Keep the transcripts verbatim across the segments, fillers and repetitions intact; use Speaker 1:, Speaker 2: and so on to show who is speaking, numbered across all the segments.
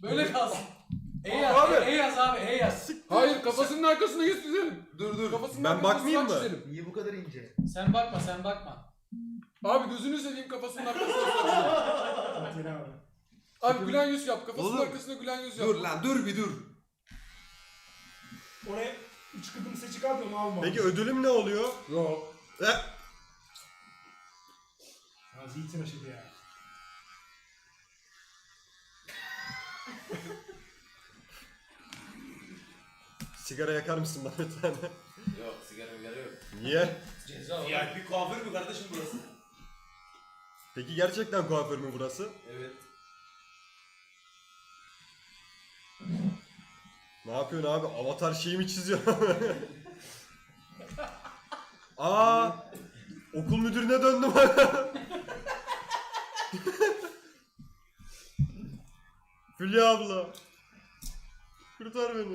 Speaker 1: Öyle kalsın. E yaz,
Speaker 2: Abi.
Speaker 1: E, e yaz abi, E yaz.
Speaker 2: Hayır kafasının arkasına yüz çizelim.
Speaker 3: Dur dur.
Speaker 2: Kafasının
Speaker 4: Ben
Speaker 2: arkasına
Speaker 4: bakmayayım
Speaker 2: surat
Speaker 4: mı?
Speaker 2: çizelim.
Speaker 5: Niye bu kadar ince?
Speaker 1: Sen bakma, sen bakma.
Speaker 2: Abi gözünü seveyim kafasının arkasına surat çizelim.
Speaker 6: Metin abi.
Speaker 2: Abi gülen yüz yap. Kafasının
Speaker 3: Oğlum.
Speaker 2: arkasına gülen yüz yap.
Speaker 3: Dur lan dur bir dur.
Speaker 6: Oraya üç kıdım seçik aldı onu alma.
Speaker 4: Peki ödülüm ne oluyor?
Speaker 2: Yok.
Speaker 4: Eh,
Speaker 6: Ya zeytin aşırı ya.
Speaker 4: sigara yakar mısın bana bir tane?
Speaker 5: Yok sigara migara yok.
Speaker 4: Niye?
Speaker 1: Ceza olur.
Speaker 5: Ya bir kuaför mü kardeşim burası?
Speaker 4: Peki gerçekten kuaför mü burası?
Speaker 5: Evet.
Speaker 4: Ne yapıyorsun abi? Avatar şeyi mi çiziyor? Aa, okul müdürüne döndüm. Hülya abla. Kurtar beni.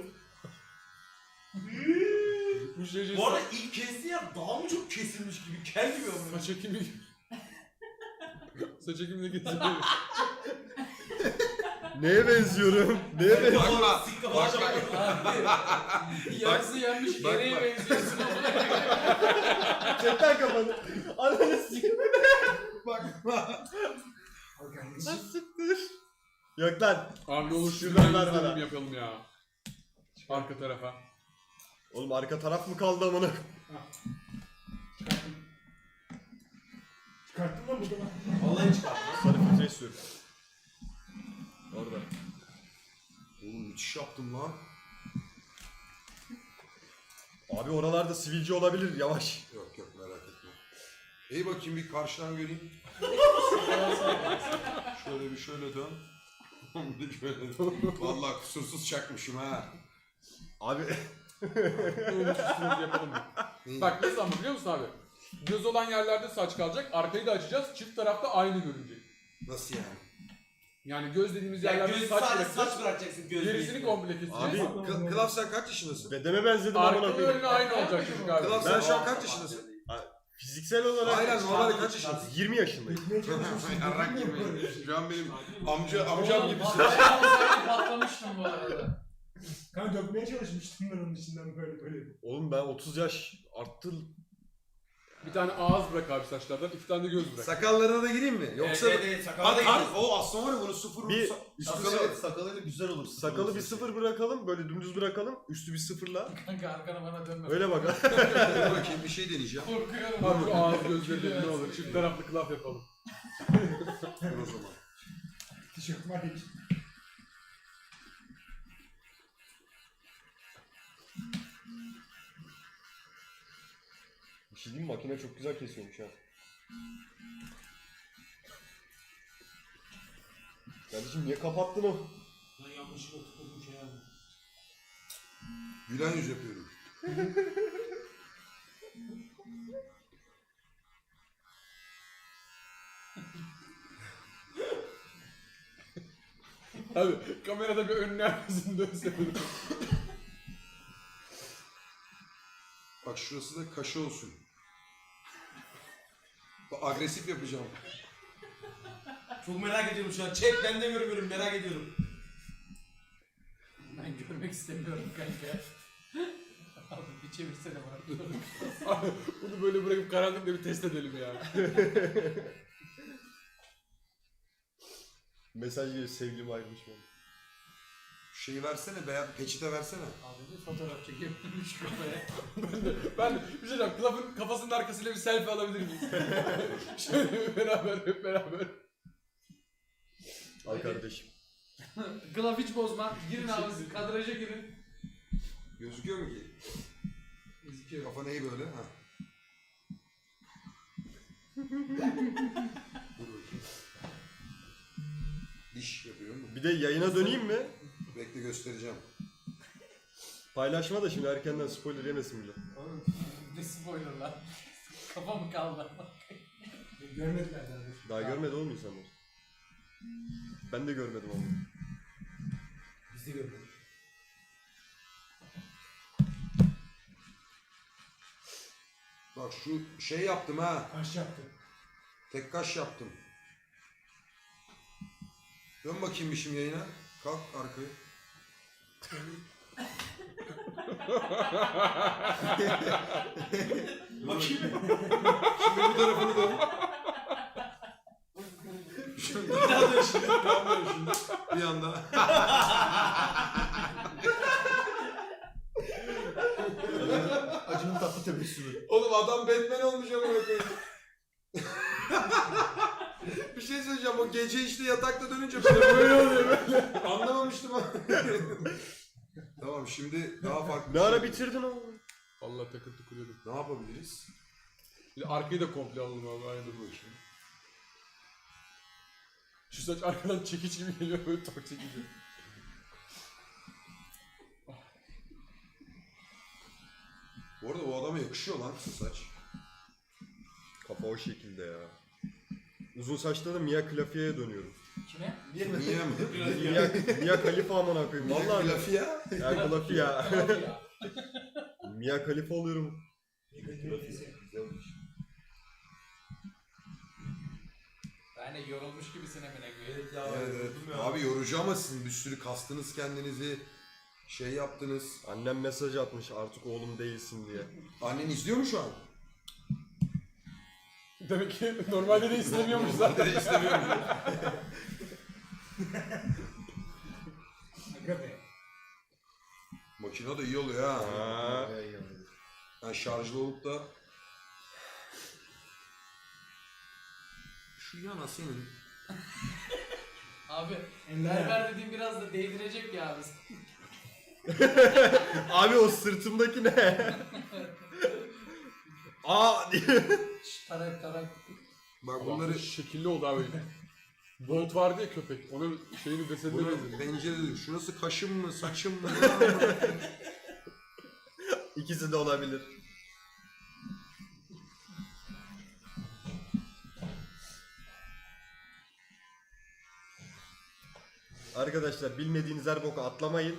Speaker 2: Bu şey
Speaker 5: Bu arada ilk kesti ya daha mı çok kesilmiş gibi kel gibi ama.
Speaker 2: saç ekimi. Saç ekimine getirdim.
Speaker 4: Neye benziyorum? Neye benziyorum?
Speaker 3: Bakma.
Speaker 5: Sikka
Speaker 3: Bak
Speaker 5: başa
Speaker 3: bak.
Speaker 1: Abi, yarısı yenmiş,
Speaker 3: bak,
Speaker 1: gereği
Speaker 3: bak.
Speaker 1: benziyorsun.
Speaker 4: Çekten kafanı. Ananı sikeyim.
Speaker 3: Bakma.
Speaker 6: Al kardeşim.
Speaker 4: Siktir. Yok lan.
Speaker 2: Abi ne olur
Speaker 4: Şuradan
Speaker 2: şuradan
Speaker 4: ver
Speaker 2: yüz
Speaker 4: bana.
Speaker 2: dilim yapalım ya. Arka tarafa.
Speaker 4: Oğlum arka taraf mı kaldı amına?
Speaker 6: Çıkarttım. Çıkarttın lan burada lan.
Speaker 5: Vallahi çıkarttı.
Speaker 4: Sarı filtre sür. Orada.
Speaker 3: Oğlum müthiş yaptım lan.
Speaker 4: Abi oralarda sivilce olabilir yavaş.
Speaker 3: Yok yok merak etme. İyi bakayım bir karşıdan göreyim. Şöyle bir şöyle dön. Bir şöyle dön. Vallahi kusursuz çakmışım ha.
Speaker 4: Abi
Speaker 2: Ne olur üstüne yapalım.
Speaker 3: İyi.
Speaker 2: Bak nasıl ama biliyor musun abi? Göz olan yerlerde saç kalacak, arkayı da açacağız, çift tarafta aynı görünecek.
Speaker 3: Nasıl yani?
Speaker 2: Yani göz dediğimiz
Speaker 5: Ya
Speaker 2: yerlerde
Speaker 5: göz
Speaker 2: saç
Speaker 5: sadece
Speaker 2: bırakacağız,
Speaker 5: saç bırakacaksın göz
Speaker 2: gerisini
Speaker 5: değil.
Speaker 2: komple keseceğiz.
Speaker 3: Abi Kı- Kılaf sen kaç yaşındasın?
Speaker 4: bedeme benzedim amına
Speaker 2: Arka
Speaker 4: koyayım.
Speaker 2: önüne aynı olacak çocuk abi.
Speaker 3: Kılaf sen şu an kaç yaşındasın?
Speaker 4: Fiziksel olarak
Speaker 3: Aynen normalde kaç yaşındasın?
Speaker 4: yirmi yaşındayım.
Speaker 6: Gitmeye çalışıyorsun.
Speaker 3: Yarrak gibi. Şu an benim amca amcam
Speaker 1: Oğlum,
Speaker 3: gibisin.
Speaker 1: patlayan olsaydı patlamıştım bu arada.
Speaker 6: Kanka dökmeye çalışmıştım ben onun içinden böyle böyle.
Speaker 4: Oğlum ben otuz yaş arttı.
Speaker 2: Bir tane ağız bırak abi saçlardan, iki tane de göz bırak.
Speaker 3: Sakallarına da gireyim mi? Yoksa
Speaker 5: Evet, evet, sakala da
Speaker 3: Bak
Speaker 5: gidiyor.
Speaker 3: abi o aslında var ya bunu sıfır
Speaker 4: Bir-
Speaker 3: sa-
Speaker 5: Sakalı, evet, sakalıyla güzel olur.
Speaker 4: Sakalı bir sıfır bırakalım, böyle dümdüz bırakalım, üstü bir sıfırla.
Speaker 1: Kanka arkana bana dönme.
Speaker 4: Öyle bak.
Speaker 3: Dur bakayım bir şey deneyeceğim.
Speaker 1: Korkuyorum.
Speaker 2: Abi şu ağız gözleri ne olur, çift taraflı klaf yapalım.
Speaker 3: Dur o zaman.
Speaker 6: Tişört var hiç.
Speaker 4: Bir şey diyeyim mi? Makine çok güzel kesiyormuş ha. Kardeşim niye kapattın o?
Speaker 6: Lan yanlışlıkla tıkladım şey aldım.
Speaker 3: Gülen yüz yapıyorum.
Speaker 2: Abi kamerada bir önüne arkasını dönsene.
Speaker 3: Bak şurası da kaşı olsun. Bak, agresif yapacağım.
Speaker 5: Çok merak ediyorum şu an. Çek ben de görmüyorum merak ediyorum.
Speaker 1: Ben görmek istemiyorum kanka. Abi bir çevirsene bana.
Speaker 2: Abi, bunu böyle bırakıp karanlıkta bir test edelim ya.
Speaker 4: Mesaj geliyor, sevgilim ayrılmış bana.
Speaker 3: Şeyi versene, beyaz peçete versene.
Speaker 1: Abi bir fotoğraf çekeyim şu kafaya.
Speaker 2: ben de, ben de bir şey diyeceğim, klafın kafasının arkasıyla bir selfie alabilir miyiz? Şöyle beraber, hep beraber.
Speaker 4: Al kardeşim.
Speaker 1: Glove hiç bozma. Girin abi kadraja girin.
Speaker 3: Gözüküyor mu ki?
Speaker 1: Gözüküyor.
Speaker 3: Kafa neyi böyle? Ha. Dur bakayım. Diş yapıyorum.
Speaker 4: Bir de yayına döneyim mi?
Speaker 3: Bekle göstereceğim.
Speaker 4: Paylaşma da şimdi erkenden spoiler yemesin bile.
Speaker 1: Oğlum ne spoiler lan. Kafa mı kaldı?
Speaker 6: Görmediler zaten.
Speaker 4: Daha görmedi oğlum insanlar. Ben de görmedim onu.
Speaker 5: Biz de görmedik.
Speaker 3: Bak şu şey yaptım ha.
Speaker 6: Kaş yaptı.
Speaker 3: Tek kaş yaptım. Dön bakayım bir şimdi yayına. Kalk arkaya.
Speaker 5: Bakayım.
Speaker 3: Şimdi bu tarafını dön. Şimdi
Speaker 5: Bir daha dön şimdi.
Speaker 3: bir anda.
Speaker 4: Acının tatlı tebessümü.
Speaker 3: Oğlum adam Batman olmuş ama koyayım. Bir şey söyleyeceğim, o gece işte yatakta dönünce böyle böyle oluyor böyle. Anlamamıştım ama. Tamam, şimdi daha farklı
Speaker 4: Ne
Speaker 3: bir
Speaker 4: ara
Speaker 3: şey.
Speaker 4: bitirdin oğlum?
Speaker 2: Vallahi takıntı kuruyordum.
Speaker 3: Ne yapabiliriz?
Speaker 2: Bir de arkayı da komple alalım abi. Aynen.
Speaker 3: Bakayım.
Speaker 2: Şu saç arkadan çekiç gibi geliyor böyle tok çekici.
Speaker 3: Bu arada o adama yakışıyor lan şu saç.
Speaker 4: Kafa o şekilde ya. Uzun saçta da Mia Khalifi'ye dönüyorum.
Speaker 1: Kime?
Speaker 3: Niye mi?
Speaker 4: Mia, Mia Khalifa amına koyayım. Vallahi
Speaker 3: Lafı ya.
Speaker 4: ya Khalifi ya.
Speaker 1: Tamam ya.
Speaker 4: Mia Khalifa oluyorum.
Speaker 1: Ben de yorulmuş gibisin Emine Gül.
Speaker 5: Evet ya.
Speaker 3: Evet, evet.
Speaker 5: yoruldum ya.
Speaker 3: Abi yorucu ama sizin bir sürü kastınız kendinizi. Şey yaptınız.
Speaker 4: Annem mesaj atmış artık oğlum değilsin diye.
Speaker 3: Annen izliyor mu şu an?
Speaker 2: Demek ki normalde de istemiyormuş zaten.
Speaker 3: Zaten istemiyorum.
Speaker 6: Aga be.
Speaker 3: Makine de iyi oluyor ha.
Speaker 4: Ha.
Speaker 3: Yani şarjlı olup da... Şu yana senin.
Speaker 1: Abi
Speaker 6: Eller.
Speaker 1: berber dediğim biraz da değdirecek ya abi.
Speaker 4: Abi o sırtımdaki ne? Aa diye.
Speaker 1: Şş, tarak tarak.
Speaker 3: Bak
Speaker 2: Bunları
Speaker 3: bunları...
Speaker 2: şekilli oldu abi. Bolt vardı ya köpek. Onun şeyini desenine
Speaker 3: Bunu
Speaker 2: benziyor.
Speaker 3: pencerede... Şurası kaşım mı, saçım mı?
Speaker 4: İkisi de olabilir. Arkadaşlar bilmediğiniz her boka atlamayın.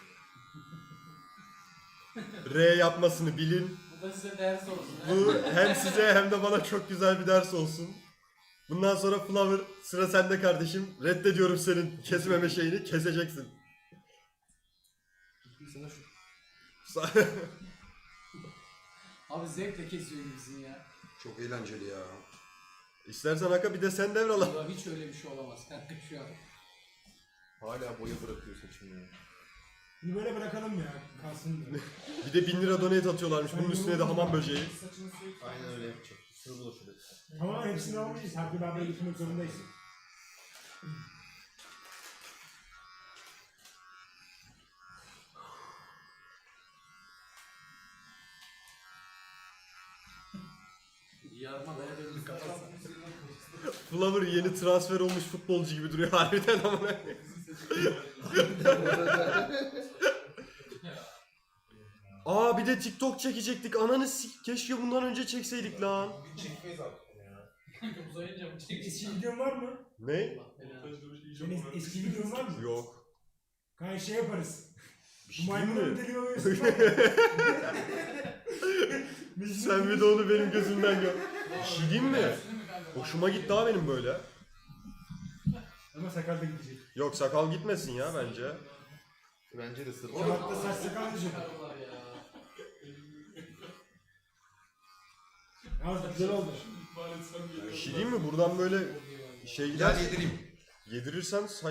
Speaker 4: R yapmasını bilin.
Speaker 1: Bu da size ders olsun. ha?
Speaker 4: Bu hem size hem de bana çok güzel bir ders olsun. Bundan sonra Flower sıra sende kardeşim. Reddediyorum senin kesmeme şeyini. Keseceksin. Sa-
Speaker 1: Abi zevkle kesiyor gibisin ya.
Speaker 3: Çok eğlenceli ya.
Speaker 4: İstersen Haka bir de sen devral.
Speaker 1: Ya hiç öyle bir şey olamaz kanka şu an.
Speaker 4: Hala boya bırakıyor saçını ya.
Speaker 6: Bunu böyle bırakalım ya. Kalsın da.
Speaker 4: Bir de bin lira donate atıyorlarmış. Bunun üstüne de hamam böceği.
Speaker 1: Saçını sürekli.
Speaker 4: Aynen öyle yapacak. Sır bulaşıyor.
Speaker 6: Ama hepsini almayacağız. Her bir beraber gitmek zorundayız.
Speaker 1: Yarmalaya döndü kafası.
Speaker 4: Flower yeni transfer olmuş futbolcu gibi duruyor harbiden ama. Aa bir de TikTok çekecektik. Ananı sik. Keşke bundan önce çekseydik lan.
Speaker 5: Bir çekmeyiz artık ya.
Speaker 1: Kanka uzayınca mı
Speaker 6: Eski
Speaker 1: çekeceğim?
Speaker 6: videon var mı?
Speaker 4: Ne?
Speaker 1: Allah belanı.
Speaker 6: Senin eski videon var mı?
Speaker 4: Yok.
Speaker 6: Kanka şey yaparız.
Speaker 4: Bir
Speaker 6: Bu
Speaker 4: şey değil
Speaker 6: maymunun
Speaker 4: mi?
Speaker 6: deli oluyorsun var ya.
Speaker 4: Sen bir de onu benim gözümden gör.
Speaker 1: Bir
Speaker 4: şey diyeyim mi? Hoşuma gitti ha benim böyle.
Speaker 6: Ama sakal da gidecek.
Speaker 4: Yok sakal gitmesin ya bence.
Speaker 5: Bence de sır.
Speaker 6: Kağıtta saç sakal gidecek.
Speaker 1: Çıkarıyorlar ya.
Speaker 6: Ya güzel oldu.
Speaker 4: Bir şey diyeyim mi? Buradan böyle şey gider.
Speaker 3: Gel yedireyim.
Speaker 4: Yedirirsen saç.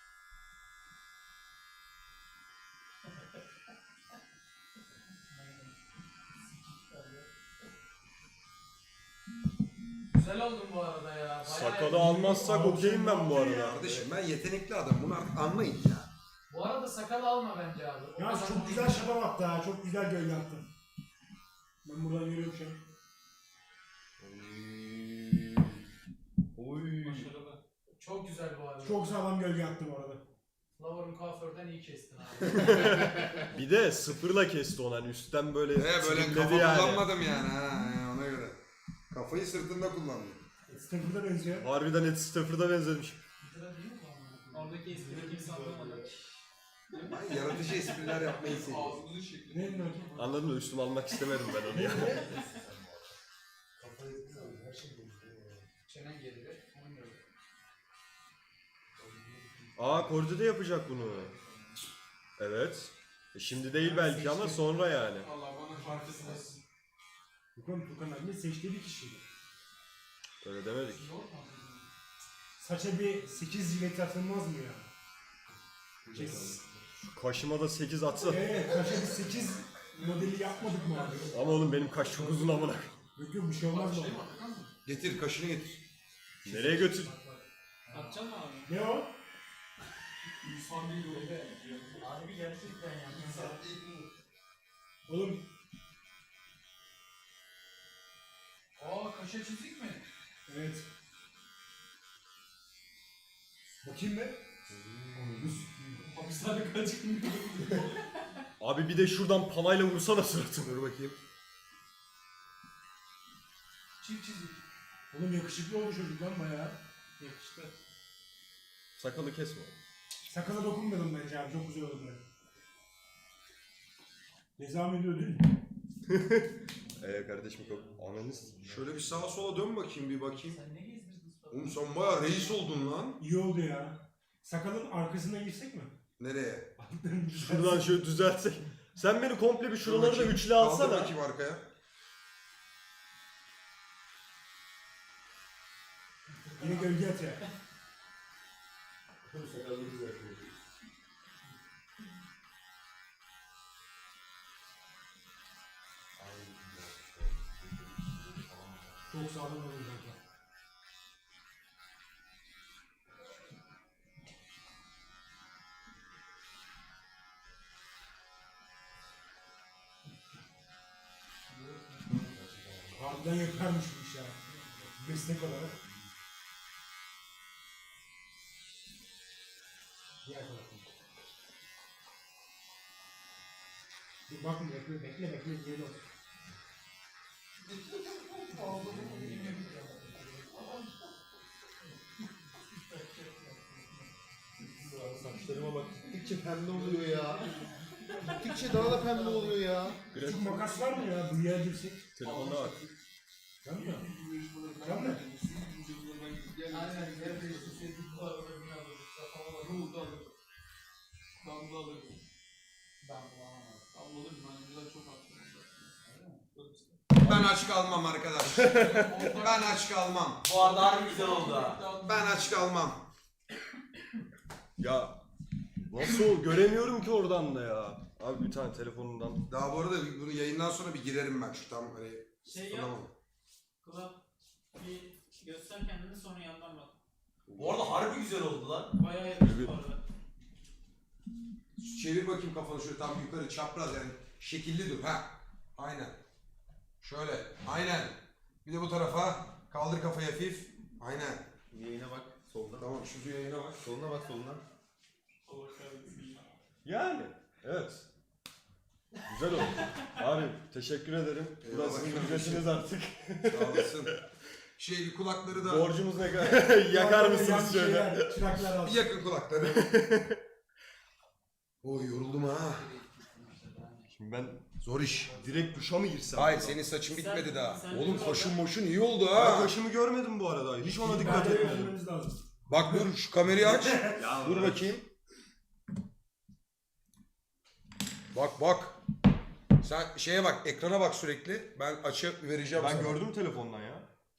Speaker 1: Güzel oldun bu arada ya. Bayağı
Speaker 4: Sakalı
Speaker 1: iyi.
Speaker 4: almazsak okeyim ben bu arada.
Speaker 3: Kardeşim ben yetenekli adam. Bunu artık anlayın ya.
Speaker 1: Bu arada sakal alma bence abi. O
Speaker 6: Ya
Speaker 1: kadar
Speaker 6: çok
Speaker 1: da
Speaker 6: güzel
Speaker 1: değil.
Speaker 6: şabam attı ha. Çok güzel gölge attı. Ben buradan görüyorum şu an.
Speaker 4: Oy.
Speaker 1: Çok güzel bu arada.
Speaker 6: Çok sağlam gölge attı bu arada.
Speaker 1: Flower'ın kuaförden iyi kestin abi.
Speaker 4: Bir de sıfırla kesti onu hani üstten böyle
Speaker 3: He böyle
Speaker 4: trimledi
Speaker 3: kafa
Speaker 4: yani.
Speaker 3: kullanmadım yani ha ha, ona göre. Kafayı sırtında kullandım.
Speaker 6: Stepper'da benziyor.
Speaker 4: Harbiden Ed Stafford'a benzemiş.
Speaker 1: Sıra değil mi bu? Oradaki esprideki insanlar
Speaker 3: Ben yaratıcı espriler yapmayı seviyorum.
Speaker 6: Ne ne
Speaker 4: Anladın mı? Üstüme almak istemedim ben onu ya.
Speaker 1: Çenen geride. Onu gördüm.
Speaker 4: Aa Kordi de yapacak bunu. Evet. E şimdi değil belki ama sonra yani.
Speaker 2: Allah bana farkısınız.
Speaker 6: Tukan, Tukan abi seçtiği bir kişiydi.
Speaker 4: Öyle demedik.
Speaker 6: Saça bir sekiz jilet atılmaz mı ya? Kes.
Speaker 4: Kaşıma da sekiz atsa.
Speaker 6: Eee kaşa bir sekiz modeli yapmadık mı abi?
Speaker 4: Ama oğlum benim kaş çok uzun amına.
Speaker 6: Yok yok bir şey olmaz mı?
Speaker 3: Getir kaşını getir.
Speaker 4: Nereye götür?
Speaker 1: Atacaksın mı abi?
Speaker 6: Ne o?
Speaker 2: İnsan değil o.
Speaker 1: Abi gerçekten ya.
Speaker 6: Oğlum
Speaker 2: Aa kaşe çizik mi?
Speaker 6: evet. Bakayım be.
Speaker 2: Hapishane kaç gün
Speaker 4: Abi bir de şuradan palayla vursana suratını.
Speaker 3: Dur bakayım.
Speaker 2: Çift çizik.
Speaker 6: Oğlum yakışıklı oldu çocuk lan bayağı.
Speaker 1: Yakıştı.
Speaker 4: Sakalı kesme.
Speaker 6: Sakala dokunmadım bence abi çok güzel oldu. Nizami ödül.
Speaker 4: Eee kardeşim kop. Ananız.
Speaker 3: Şöyle bir sağa sola dön bakayım bir bakayım.
Speaker 1: Sen ne gezdirdin?
Speaker 3: Oğlum sen bayağı reis oldun lan.
Speaker 6: İyi oldu ya. Sakalın arkasına girsek mi?
Speaker 3: Nereye?
Speaker 4: Şuradan şöyle düzeltsek. Sen beni komple bir şuraları da
Speaker 3: Bakayım.
Speaker 4: üçlü
Speaker 3: Kaldır
Speaker 4: alsana.
Speaker 3: bakayım arkaya.
Speaker 6: Yine gölge at ya. Çok sağlam olur kanka. Harbiden yaparmış bu iş ya. Meslek olarak. Diğer tarafım. Dur bakma bekle bekle bekle diye dur.
Speaker 7: Saçlarıma bak. Gittikçe pembe oluyor ya. Gittikçe daha da pembe oluyor ya.
Speaker 6: Küçük makas var mı ya? Buraya girsek.
Speaker 4: Telefonda bak.
Speaker 6: Var mı? Var mı?
Speaker 2: Aynen. Neredeyse sevdik var. Ömrünü alırız. Kafama bak. Ruhda alırız. Damla alırız.
Speaker 1: Damla.
Speaker 2: Damlalı bir mancılar çok haklı.
Speaker 3: Ben aç kalmam arkadaş. Ben aç kalmam.
Speaker 5: Bu arada harbi güzel oldu ha.
Speaker 3: Ben aç kalmam.
Speaker 4: Ya nasıl göremiyorum ki oradan da ya. Abi bir tane telefonundan.
Speaker 3: Daha bu arada bunu yayından sonra bir girerim ben şu tam hani.
Speaker 1: Şey yap.
Speaker 3: Tamam.
Speaker 1: Kulak bir göster kendini sonra yandan bak.
Speaker 5: Bu arada harbi güzel oldu lan.
Speaker 1: Bayağı yakıştı bu arada.
Speaker 3: Çevir bakayım kafanı şöyle tam yukarı çapraz yani şekilli dur ha. Aynen. Şöyle aynen. Bir de bu tarafa kaldır kafayı hafif. Aynen.
Speaker 7: Yayına bak soldan.
Speaker 3: Tamam şu yayına bak.
Speaker 7: Soluna bak soluna.
Speaker 1: Allah kahretsin.
Speaker 4: Yani evet. Güzel oldu. Abi teşekkür ederim.
Speaker 3: Eyvallah
Speaker 4: Burası sizin
Speaker 3: kardeşim.
Speaker 4: ücretiniz artık.
Speaker 3: Sağ olasın. Şey kulakları da
Speaker 4: Borcumuz ne kadar? Yakar mısınız
Speaker 6: Yan
Speaker 4: şöyle?
Speaker 6: şeyler, Çıraklar
Speaker 3: bir
Speaker 6: alsın.
Speaker 3: yakın kulakları. Oy yoruldum ha.
Speaker 4: Şimdi ben
Speaker 3: Zor iş.
Speaker 4: direkt duşa mı girsem?
Speaker 3: Hayır senin saçın bitmedi
Speaker 1: Sen-
Speaker 3: daha.
Speaker 1: sen
Speaker 3: Oğlum
Speaker 1: dur
Speaker 3: kaşın
Speaker 1: orada.
Speaker 3: moşun iyi oldu
Speaker 4: Ben
Speaker 3: ha.
Speaker 4: kaşımı görmedim bu arada. Hiç ona dikkat
Speaker 6: Bence
Speaker 4: etmedim.
Speaker 6: görmemiz lazım.
Speaker 3: Bak dur şu kamerayı aç.
Speaker 4: Ya
Speaker 3: Dur bakayım. Bak bak. Sen şeye bak ekrana bak sürekli. Ben açı vereceğim
Speaker 4: Ben
Speaker 3: sana.
Speaker 4: gördüm telefondan ya.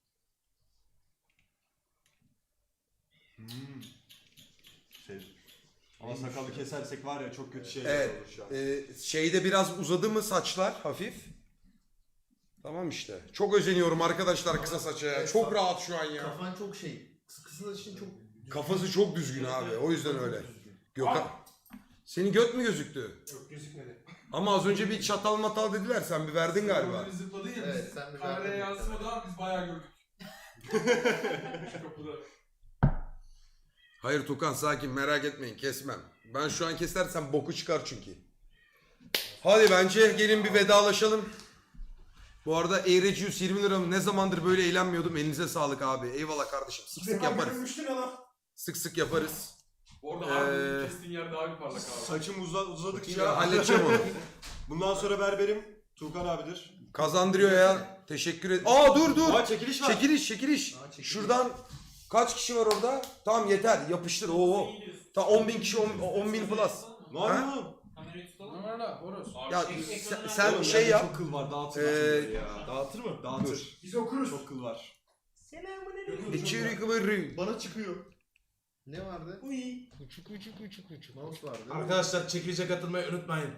Speaker 4: Hmm. Şey. Ama sakalı kesersek var ya çok kötü şeyler
Speaker 3: Evet.
Speaker 4: olur şu an.
Speaker 3: Ee, şeyde biraz uzadı mı saçlar hafif. Tamam işte. Çok özeniyorum arkadaşlar kısa saça ya. Çok rahat şu an ya.
Speaker 7: Kafan çok şey. Kısa için çok...
Speaker 3: Kafası çok düzgün abi. O yüzden öyle. Gökhan. Senin göt mü gözüktü?
Speaker 6: Yok gözükmedi.
Speaker 3: Ama az önce bir çatal matal dediler. Sen bir verdin galiba.
Speaker 2: Böyle zıpladı ya.
Speaker 7: Evet
Speaker 2: biz
Speaker 7: sen bir
Speaker 2: Kameraya
Speaker 7: daha-
Speaker 2: yansımadı ama biz bayağı gördük. Şu kapıda.
Speaker 3: Hayır Tukan sakin merak etmeyin kesmem. Ben şu an kesersem boku çıkar çünkü. Hadi bence gelin bir vedalaşalım. Bu arada Eğrecius yirmi lira ne zamandır böyle eğlenmiyordum. Elinize sağlık abi. Eyvallah kardeşim. Sık sık yaparız.
Speaker 6: Görmüştün ama.
Speaker 3: Sık sık yaparız.
Speaker 2: Orada
Speaker 3: Ee,
Speaker 2: harbi kestiğin yer daha bir parlak abi.
Speaker 4: Saçım uza, uzadıkça
Speaker 3: Ya halledeceğim onu.
Speaker 4: bundan sonra berberim Tuğkan abidir.
Speaker 3: Kazandırıyor ya. Teşekkür ederim. Aa dur dur.
Speaker 4: Aa çekiliş var.
Speaker 3: Çekiliş çekiliş.
Speaker 7: Aa, çekiliş.
Speaker 3: Şuradan Kaç kişi var orada? Tamam yeter yapıştır. Oo. Ta on bin kişi on bin plus.
Speaker 4: Ne var
Speaker 3: Ha?
Speaker 4: oğlum?
Speaker 1: Kamerayı tutalım.
Speaker 2: Aman ha Boros.
Speaker 3: Ya
Speaker 1: Ek-
Speaker 3: sen,
Speaker 1: ekranı
Speaker 3: sen
Speaker 4: Oğlum,
Speaker 3: şey
Speaker 4: bende
Speaker 3: yap.
Speaker 4: Çok kıl var dağıtır
Speaker 3: Ee,
Speaker 4: ee, ya. Dağıtır mı? Dağıtır.
Speaker 6: Biz okuruz.
Speaker 4: Çok kıl var.
Speaker 3: İçeri kıvırı.
Speaker 7: Bana çıkıyor. Ne vardı? Uy. Uçuk uçuk uçuk uçuk. Mouse vardı.
Speaker 5: Arkadaşlar çekilişe katılmayı unutmayın.